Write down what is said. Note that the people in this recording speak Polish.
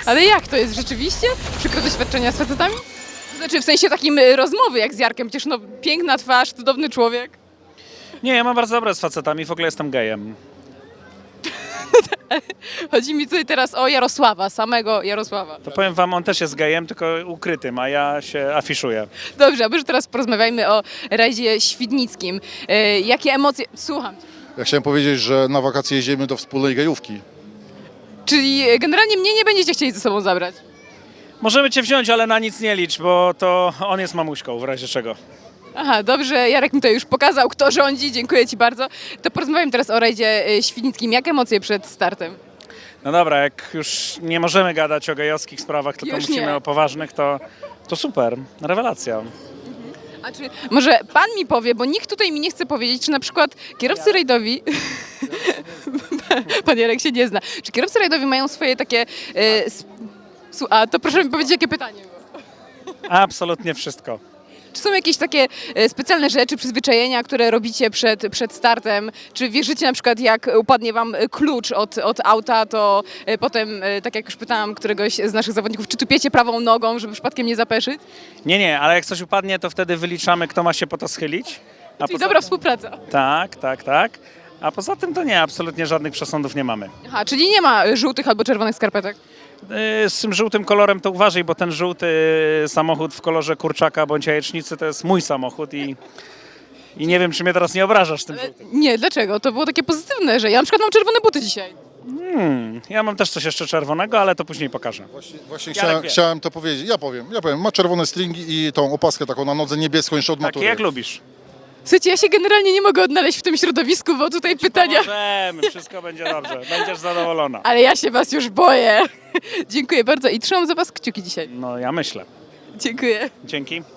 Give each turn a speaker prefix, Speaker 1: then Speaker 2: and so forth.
Speaker 1: Ale jak to jest rzeczywiście? Przykre doświadczenia z facetami? To znaczy w sensie takim rozmowy jak z Jarkiem, przecież no piękna twarz, cudowny człowiek.
Speaker 2: Nie, ja mam bardzo dobre z facetami, w ogóle jestem gejem.
Speaker 1: Chodzi mi tutaj teraz o Jarosława, samego Jarosława.
Speaker 2: To powiem wam, on też jest gejem, tylko ukrytym, a ja się afiszuję.
Speaker 1: Dobrze, a może teraz porozmawiajmy o rajdzie świdnickim. Jakie emocje... Słucham.
Speaker 3: Ja chciałem powiedzieć, że na wakacje jedziemy do wspólnej gejówki.
Speaker 1: Czyli generalnie mnie nie będziecie chcieli ze sobą zabrać.
Speaker 2: Możemy cię wziąć, ale na nic nie licz, bo to on jest mamuśką, w razie czego.
Speaker 1: Aha, dobrze, Jarek mi to już pokazał, kto rządzi, dziękuję Ci bardzo. To porozmawiam teraz o rajdzie świdnickim. Jakie emocje przed startem?
Speaker 2: No dobra, jak już nie możemy gadać o gejowskich sprawach, tylko
Speaker 1: Już
Speaker 2: musimy
Speaker 1: nie.
Speaker 2: o poważnych, to super, rewelacja.
Speaker 1: A czy może Pan mi powie, bo nikt tutaj mi nie chce powiedzieć, czy na przykład kierowcy rajdowi... Pan Jarek się nie zna. Czy kierowcy rajdowi mają swoje takie... A to proszę mi powiedzieć, jakie pytanie było.
Speaker 2: Absolutnie wszystko.
Speaker 1: Czy są jakieś takie specjalne rzeczy, przyzwyczajenia, które robicie przed startem? Czy wierzycie na przykład, jak upadnie wam klucz od auta, to potem, tak jak już pytałam któregoś z naszych zawodników, czy tupiecie prawą nogą, żeby przypadkiem nie zapeszyć?
Speaker 2: Nie, ale jak coś upadnie, to wtedy wyliczamy, kto ma się po to schylić. A
Speaker 1: Czyli
Speaker 2: poza
Speaker 1: dobra
Speaker 2: tym-
Speaker 1: współpraca.
Speaker 2: Tak. A poza tym to nie, absolutnie żadnych przesądów nie mamy.
Speaker 1: Aha, czyli nie ma żółtych albo czerwonych skarpetek?
Speaker 2: Z tym żółtym kolorem to uważaj, bo ten żółty samochód w kolorze kurczaka bądź jajecznicy to jest mój samochód i nie wiem, czy mnie teraz nie obrażasz tym żółtym.
Speaker 1: Nie, dlaczego? To było takie pozytywne, że ja na przykład mam czerwone buty dzisiaj.
Speaker 2: Ja mam też coś jeszcze czerwonego, ale to później pokażę.
Speaker 3: Właśnie
Speaker 2: Jarek wie.
Speaker 3: chciałem to powiedzieć. Ja powiem. Ma czerwone stringi i tą opaskę taką na nodze niebieską jeszcze od
Speaker 2: Takie
Speaker 3: matury.
Speaker 2: jak lubisz.
Speaker 1: Słuchajcie, ja się generalnie nie mogę odnaleźć w tym środowisku, bo tutaj pytania...
Speaker 2: Możemy, wszystko będzie dobrze, będziesz zadowolona.
Speaker 1: Ale ja się was już boję. Dziękuję bardzo i trzymam za was kciuki dzisiaj.
Speaker 2: No ja myślę.
Speaker 1: Dziękuję.
Speaker 2: Dzięki.